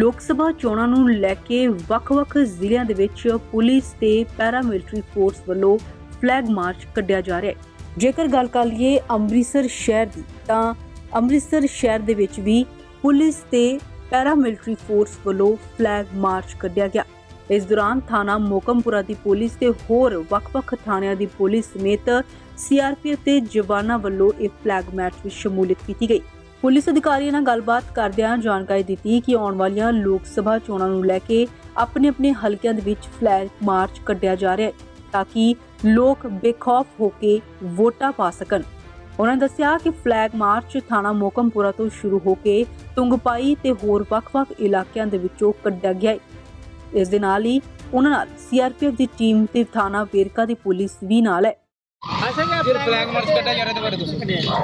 ਲੋਕ ਸਭਾ ਚੋਣਾਂ ਨੂੰ ਲੈ ਕੇ ਵੱਖ-ਵੱਖ ਜ਼ਿਲ੍ਹਿਆਂ ਦੇ ਵਿੱਚ ਪੁਲਿਸ ਤੇ ਪੈਰਾਮਿਲਟਰੀ ਫੋਰਸ ਵੱਲੋਂ ਫਲੈਗ ਮਾਰਚ ਕੱਢਿਆ ਜਾ ਰਿਹਾ ਹੈ। ਜੇਕਰ ਗੱਲ ਕਰ ਲਈਏ ਅੰਮ੍ਰਿਤਸਰ ਸ਼ਹਿਰ ਦੀ, ਤਾਂ ਅੰਮ੍ਰਿਤਸਰ ਸ਼ਹਿਰ ਦੇ ਵਿੱਚ ਵੀ ਪੁਲਿਸ ਤੇ ਪੈਰਾਮਿਲਟਰੀ ਫੋਰਸ ਵੱਲੋਂ ਫਲੈਗ ਮਾਰਚ ਕੱਢਿਆ ਗਿਆ। ਇਸ ਦੌਰਾਨ ਥਾਣਾ ਮੋਕਮਪੁਰਾ ਦੀ ਪੁਲਿਸ ਤੇ ਹੋਰ ਵੱਖ-ਵੱਖ ਥਾਣਿਆਂ ਦੀ ਪੁਲਿਸ ਸਮੇਤ ਸੀਆਰਪੀਐਫ ਦੇ ਜਵਾਨਾਂ ਵੱਲੋਂ ਇਹ ਫਲੈਗ ਮਾਰਚ ਵਿੱਚ ਸ਼ਮੂਲੀਅਤ ਕੀਤੀ ਗਈ। ਪੁਲਿਸ ਅਧਿਕਾਰੀਆਂ ਨਾਲ ਗੱਲਬਾਤ ਕਰਦਿਆਂ ਜਾਣਕਾਰੀ ਦਿੱਤੀ ਕਿ ਆਉਣ ਵਾਲੀਆਂ ਲੋਕ ਸਭਾ ਚੋਣਾਂ ਨੂੰ ਲੈ ਕੇ ਆਪਣੇ ਹਲਕਿਆਂ ਦੇ ਵਿੱਚ ਫਲੈਗ ਮਾਰਚ ਕੱਢਿਆ ਜਾ ਰਿਹਾ ਹੈ ਤਾਂ ਕਿ ਲੋਕ ਬੇਖੌਫ ਹੋ ਕੇ ਵੋਟਾਂ ਪਾ ਸਕਣ। ਉਹਨਾਂ ਨੇ ਦੱਸਿਆ ਕਿ ਫਲੈਗ ਮਾਰਚ ਥਾਣਾ ਮੋਕਮਪੁਰਾ ਤੋਂ ਸ਼ੁਰੂ ਹੋ ਕੇ ਤੁੰਗਪਾਈ ਤੇ ਹੋਰ ਵੱਖ-ਵੱਖ ਇਲਾਕਿਆਂ ਦੇ ਵਿੱਚੋਂ ਕੱਢਿਆ ਗਿਆ ਹੈ। ਇਸ ਦੇ ਨਾਲ ਹੀ ਉਹਨਾਂ ਨਾਲ ਸੀਆਰਪੀਐਫ ਦੀ ਟੀਮ ਤੇ ਥਾਣਾ ਵੇਰਕਾ ਦੀ ਪੁਲਿਸ ਵੀ ਨਾਲ ਹੈ। ਫਲੈਗ ਮਾਰਚ ਕੱਢਿਆ ਜਾ ਰਿਹਾ ਤੇ ਬਾਰੇ ਦੱਸੋ।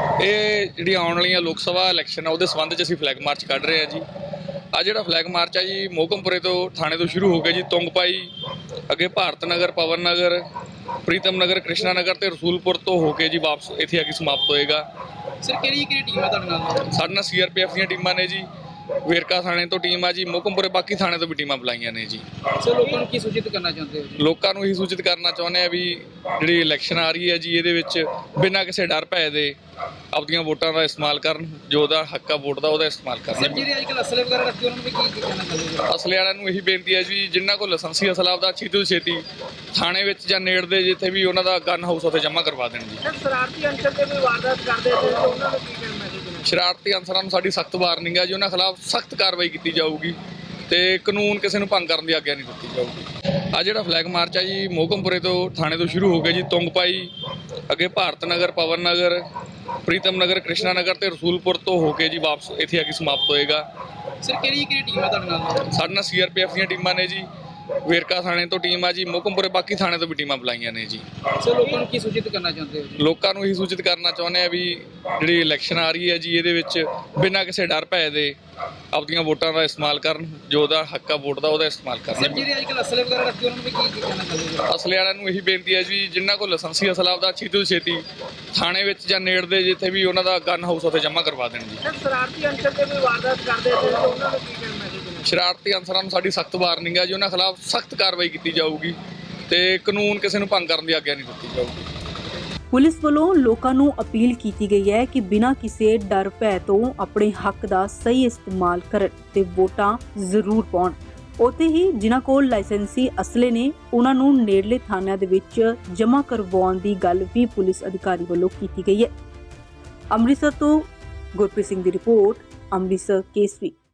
ਇਹ ਜਿਹੜੀ ਆਉਣ ਵਾਲੀਆਂ ਲੋਕ ਸਭਾ ਇਲੈਕਸ਼ਨ ਆ ਉਹਦੇ ਸੰਬੰਧ 'ਚ ਅਸੀਂ ਫਲੈਗ ਮਾਰਚ ਕੱਢ ਰਹੇ ਹਾਂ ਜੀ। ਆ ਜਿਹੜਾ ਫਲੈਗ ਮਾਰਚ ਆ ਜੀ ਮੋਕਮਪੁਰੇ ਤੋਂ ਥਾਣੇ ਤੋਂ ਸ਼ੁਰੂ ਹੋ ਕੇ ਜੀ ਤੁੰਗਪਾਈ, ਅੱਗੇ ਭਾਰਤ ਨਗਰ, ਪਵਨ ਨਗਰ, ਪ੍ਰੀਤਮ ਨਗਰ, ਕ੍ਰਿਸ਼ਨਾ ਨਗਰ ਤੇ ਰਸੂਲਪੁਰ ਤੋਂ ਹੋ ਕੇ ਜੀ ਵਾਪਸ ਇੱਥੇ ਆ ਕੇ ਸਮਾਪਤ ਹੋਏਗਾ। ਸਰ ਕਿਹੜੀ ਟੀਮ ਹੈ ਤੁਹਾਡੇ ਨਾਲ? ਸਾਡੇ ਨਾਲ ਸੀਆਰਪੀਐਫ ਦੀਆਂ ਟੀਮਾਂ ਨੇ ਜੀ, ਵੇਰਕਾ ਥਾਣੇ ਤੋਂ ਟੀਮ ਆ ਜੀ, ਮੋਕਮਪੁਰੇ ਬਾਕੀ ਥਾਣੇ ਤੋਂ ਵੀ ਟੀਮਾਂ ਬੁਲਾਈਆਂ ਨੇ ਜੀ। ਸਰ ਲੋਕਾਂ ਨੂੰ ਕੀ ਸੂਚਿਤ ਕਰਨਾ ਚਾਹੁੰਦੇ ਹੋ? ਲੋਕਾਂ ਨੂੰ ਇਹੀ ਸੂਚਿਤ ਕਰਨਾ ਚਾਹੁੰਦੇ ਆ ਵੀ ਜਿਹੜੀ ਇਲੈਕਸ਼ਨ ਆ ਰਹੀ ਹੈ ਜੀ, ਇਹਦੇ ਵਿੱਚ ਬਿਨਾਂ ਕਿਸੇ ਡਰ ਭੈ ਦੇ ਆਪਣੀਆਂ ਵੋਟਾਂ ਦਾ ਇਸਤੇਮਾਲ ਕਰਨ, ਜੋ ਉਹਦਾ ਹੱਕ ਆ ਵੋਟ ਦਾ ਉਹਦਾ ਇਸਤੇਮਾਲ ਕਰਨ। ਸਰ ਜਿਹੜੇ ਅੱਜ ਕੱਲ੍ਹ ਅਸਲੇ ਵਗੈਰਾ ਰੱਖੇ ਉਹਨਾਂ ਨੂੰ ਵੀ ਕੀ ਕਹਿਣਾ ਚਾਹੁੰਦੇ ਹੋ? ਅਸਲੇ ਵਾਲਿਆਂ ਨੂੰ ਇਹੀ ਬੇਨਤੀ ਹੈ ਜੀ, ਜਿਨ੍ਹਾਂ ਕੋਲ ਲਾਇਸੈਂਸੀ ਅਸਲਾ ਆਪਦਾ ਛੇਤੀ ਤੋਂ ਛੇਤੀ ਥਾਣੇ ਵਿੱਚ ਜਾਂ ਨੇੜੇ ਜਿੱਥੇ ਵੀ ਉਹਨਾਂ ਦਾ ਗਨ ਹਾਊਸ ਉੱਥੇ ਜਮ੍ਹਾਂ ਕਰਵਾ ਦੇਣ ਜੀ। ਸ਼ਰਾਰਤੀ ਅੰਸਰ ਤੇ ਕੋਈ ਵਾਰਦਾਤ ਕਰਦੇ ਤੇ ਉਹਨਾਂ ਨੂੰ ਕੀ ਕਹਿਣਾ ਚਾਹੁੰਦੇ? ਸ਼ਰਾਰਤੀ ਅਨਸਰਾਂ ਨੂੰ ਸਾਡੀ ਸਖਤ ਵਾਰਨਿੰਗ ਹੈ ਜੀ, ਉਹਨਾਂ ਖਿਲਾਫ ਸਖਤ ਕਾਰਵਾਈ ਕੀਤੀ ਜਾਊਗੀ ਤੇ ਕਾਨੂੰਨ ਕਿਸੇ ਨੂੰ ਭੰਗ ਕਰਨ ਦੀ ਆਗਿਆ ਨਹੀਂ ਦਿੱਤੀ ਜਾਊਗੀ। ਆ ਜਿਹੜਾ ਫਲੈਗ ਮਾਰਚ ਆ ਜੀ ਮੋਕਮਪੁਰੇ ਤੋਂ ਥਾਣੇ ਤੋਂ ਸ਼ੁਰੂ ਹੋ ਕੇ ਜੀ ਤੁੰਗਪਾਈ, ਅੱਗੇ ਭਾਰਤ ਨਗਰ, ਪਵਨ ਨਗਰ, ਪ੍ਰੀਤਮ ਨਗਰ, ਕ੍ਰਿਸ਼ਨਾ ਨਗਰ ਤੇ ਰਸੂਲਪੁਰ ਤੋਂ ਹੋ ਕੇ ਜੀ ਵਾਪਸ ਇੱਥੇ ਆ ਕੇ ਸਮਾਪਤ ਹੋਏਗਾ। ਸਰ ਕਿਹੜੀ ਟੀਮ ਹੈ ਤੁਹਾਡੇ ਨਾਲ? ਸਾਡੇ ਨਾਲ ਸੀਆਰਪੀਐਫ ਦੀਆਂ ਟੀਮਾਂ ਨੇ ਜੀ, ਵੇਰਕਾ ਥਾਣੇ ਤੋਂ ਟੀਮ ਆ ਜੀ, ਮੋਕਮਪੁਰੇ ਬਾਕੀ ਥਾਣੇ ਤੋਂ ਵੀ ਟੀਮਾਂ ਬੁਲਾਈਆਂ ਨੇ ਜੀ। ਸਰ ਲੋਕਾਂ ਨੂੰ ਕੀ ਸੂਚਿਤ ਕਰਨਾ ਚਾਹੁੰਦੇ ਹੋ? ਲੋਕਾਂ ਨੂੰ ਇਹੀ ਸੂਚਿਤ ਕਰਨਾ ਚਾਹੁੰਦੇ ਆ ਵੀ ਜਿਹੜੀ ਇਲੈਕਸ਼ਨ ਆ ਰਹੀ ਹੈ ਜੀ, ਇਹਦੇ ਵਿੱਚ ਬਿਨਾਂ ਕਿਸੇ ਡਰ ਭੈ ਦੇ ਆਪਣੀਆਂ ਵੋਟਾਂ ਦਾ ਇਸਤੇਮਾਲ ਕਰਨ, ਜੋ ਉਹਦਾ ਹੱਕ ਆ ਵੋਟ ਦਾ ਉਹਦਾ ਇਸਤੇਮਾਲ ਕਰਨ। ਸਰ ਜਿਹੜੇ ਅੱਜ ਕੱਲ੍ਹ ਅਸਲੇ ਵਗੈਰਾ ਰੱਖੇ ਉਹਨਾਂ ਨੂੰ ਵੀ ਕੀ ਕਹਿਣਾ ਚਾਹੁੰਦੇ ਹੋ? ਅਸਲੇ ਵਾਲਿਆਂ ਨੂੰ ਇਹੀ ਬੇਨਤੀ ਹੈ ਜੀ, ਜਿਨ੍ਹਾਂ ਕੋਲ ਲਾਇਸੈਂਸੀ ਅਸਲਾ ਆਪਦਾ ਛੇਤੀ ਤੋਂ ਛੇਤੀ ਥਾਣੇ ਵਿੱਚ ਜਾਂ ਨੇੜੇ ਜਿੱਥੇ ਵੀ ਉਹਨਾਂ ਦਾ ਗਨ ਹਾਊਸ ਉੱਥੇ ਜਮ੍ਹਾਂ ਕਰਵਾ ਦੇਣ ਜੀ। ਸਰ ਸ਼ਰਾਰਤੀ ਅੰਸਰ ਤੇ ਕੋਈ ਵਾਰਦਾਤ ਕਰਦੇ ਤੇ ਉਹਨਾਂ ਨੂੰ ਕੀ ਕਹਿਣਾ ਚਾਹੁੰਦੇ? ਸ਼ਰਾਰਤੀ ਅਨਸਰਾਂ ਨੂੰ ਸਾਡੀ ਸਖਤ ਵਾਰਨਿੰਗ ਹੈ ਜੀ, ਉਹਨਾਂ ਖਿਲਾਫ ਸਖਤ ਕਾਰਵਾਈ ਕੀਤੀ ਜਾਊਗੀ ਤੇ ਕਾਨੂੰਨ ਕਿਸੇ ਨੂੰ ਭੰਗ ਕਰਨ ਦੀ ਆਗਿਆ ਨਹੀਂ ਦਿੱਤੀ ਜਾਊਗੀ। ਪੁਲਿਸ ਵੱਲੋਂ ਲੋਕਾਂ ਨੂੰ ਅਪੀਲ ਕੀਤੀ ਗਈ ਹੈ ਕਿ ਬਿਨਾਂ ਕਿਸੇ ਡਰ ਭੈ ਤੋਂ ਆਪਣੇ ਹੱਕ ਦਾ ਸਹੀ ਇਸਤੇਮਾਲ ਕਰਨ ਤੇ ਵੋਟਾਂ ਜ਼ਰੂਰ ਪਾਉਣ। ਉੱਥੇ ਹੀ ਜਿਨ੍ਹਾਂ ਕੋਲ ਲਾਇਸੈਂਸੀ ਅਸਲੇ ਨੇ ਉਹਨਾਂ ਨੂੰ ਨੇੜਲੇ ਥਾਣਿਆਂ ਦੇ ਵਿੱਚ ਜਮ੍ਹਾਂ ਕਰਵਾਉਣ ਦੀ ਗੱਲ ਵੀ ਪੁਲਿਸ ਅਧਿਕਾਰੀ ਵੱਲੋਂ ਕੀਤੀ ਗਈ ਹੈ। ਅੰਮ੍ਰਿਤਸਰ ਤੋਂ ਗੁਰਪ੍ਰੀਤ ਸਿੰਘ ਦੀ ਰਿਪੋਰਟ, ਅੰਮ੍ਰਿਤਸਰ ਕੇਸਰੀ।